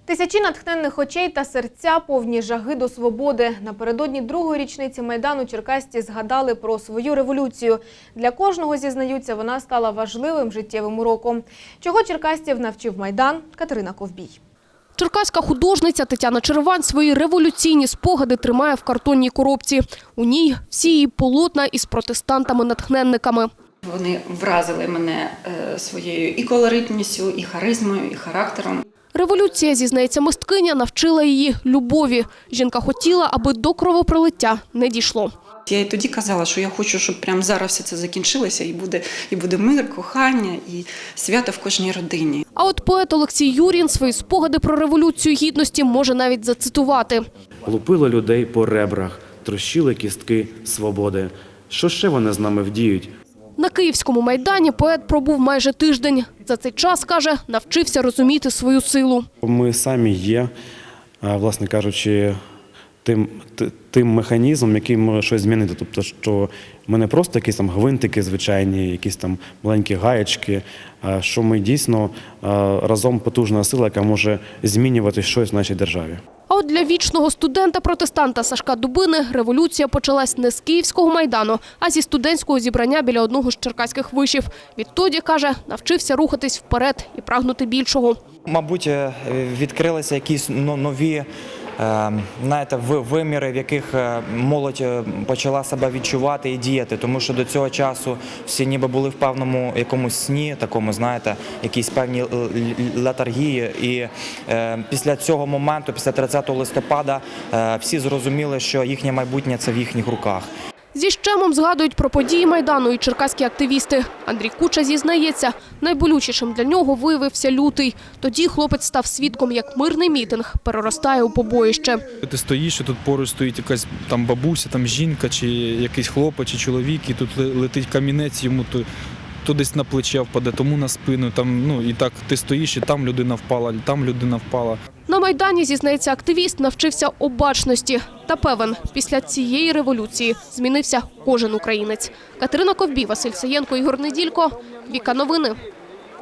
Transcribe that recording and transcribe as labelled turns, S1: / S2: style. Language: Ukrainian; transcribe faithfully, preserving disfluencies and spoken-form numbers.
S1: Тисячі натхненних очей та серця повні жаги до свободи. Напередодні другої річниці Майдану черкасці згадали про свою революцію. Для кожного, зізнаються, вона стала важливим життєвим уроком. Чого черкасців навчив Майдан? Катерина Ковбій.
S2: Черкаська художниця Тетяна Червань свої революційні спогади тримає в картонній коробці. У ній всі її полотна із протестантами-натхненниками.
S3: Вони вразили мене своєю і колоритністю, і харизмою, і характером.
S2: Революція, зізнається мисткиня, навчила її любові. Жінка хотіла, аби до кровопролиття не дійшло.
S3: Я і тоді казала, що я хочу, щоб прямо зараз все це закінчилося, і буде, і буде мир, кохання, і свято в кожній родині.
S2: А от поет Олексій Юрін свої спогади про Революцію Гідності може навіть зацитувати.
S4: Лупили людей по ребрах, трощили кістки свободи. Що ще вони з нами вдіють?
S2: На Київському Майдані поет пробув майже тиждень. За цей час, каже, навчився розуміти свою силу.
S4: Ми самі є, власне кажучи, тим, тим механізмом, який може щось змінити. Тобто, що ми не просто якісь там гвинтики звичайні, якісь там маленькі гаєчки, а що ми дійсно разом потужна сила, яка може змінювати щось в нашій державі.
S2: А от для вічного студента-протестанта Сашка Дубини революція почалась не з Київського Майдану, а зі студентського зібрання біля одного з черкаських вишів. Відтоді, каже, навчився рухатись вперед і прагнути більшого.
S5: Мабуть, відкрилися якісь нові знаєте, виміри, в яких молодь почала себе відчувати і діяти, тому що до цього часу всі ніби були в певному якомусь сні, такому, знаєте, якісь певні летаргії. І після цього моменту, після тридцятого листопада, всі зрозуміли, що їхнє майбутнє – це в їхніх руках.
S2: Зі щемом згадують про події Майдану і черкаські активісти. Андрій Куча зізнається, найболючішим для нього виявився лютий. Тоді хлопець став свідком, як мирний мітинг переростає у побоїще.
S6: Ти стоїш, і тут поруч стоїть якась там бабуся, там жінка, чи якийсь хлопець, чи чоловік, і тут летить камінець, йому то, то десь на плече впаде, тому на спину. Там, ну, і так ти стоїш, і там людина впала, там людина впала.
S2: На Майдані, зізнається активіст, навчився обачності. Та певен, після цієї революції змінився кожен українець. Катерина Ковбій, Василь Саєнко, Ігор Неділько. Віка Новини.